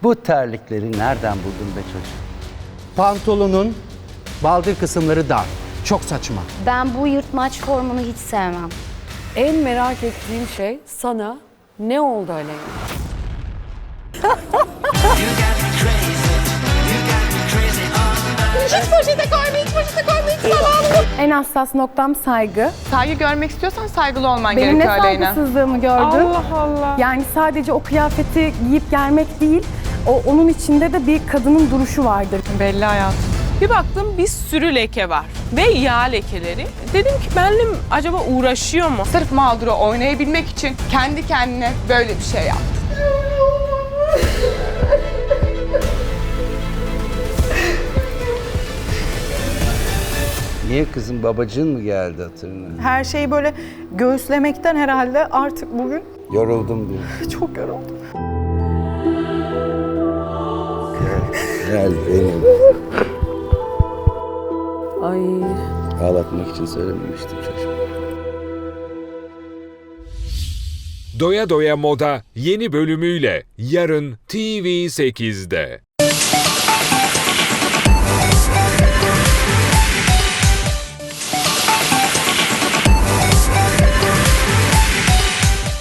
Bu terlikleri nereden buldun be çocuğum? Pantolonun baldır kısımları dar. Çok saçma. Ben bu yırtmaç formunu hiç sevmem. En merak ettiğim şey sana ne oldu Aleyna? En hassas noktam saygı. Saygı görmek istiyorsan saygılı olman Benim ne gerekiyor Aleyna. saygısızlığımı gördün? Allah Allah. Yani sadece o kıyafeti giyip gelmek değil, onun içinde de bir kadının duruşu vardır. Belli hayatım. Bir baktım bir sürü leke var ve yağ lekeleri. Dedim ki benimle acaba uğraşıyor mu? Sırf mağduru oynayabilmek için kendi kendine böyle bir şey yaptı. Niye kızım, babacığın mı geldi hatırına? Her şeyi böyle göğüslemekten herhalde artık bugün Yoruldum diyor. çok yoruldum. Gel benim. Ay. Ağlatmak için söylememiştim çocuğum. Doya Doya Moda yeni bölümüyle yarın TV8'de.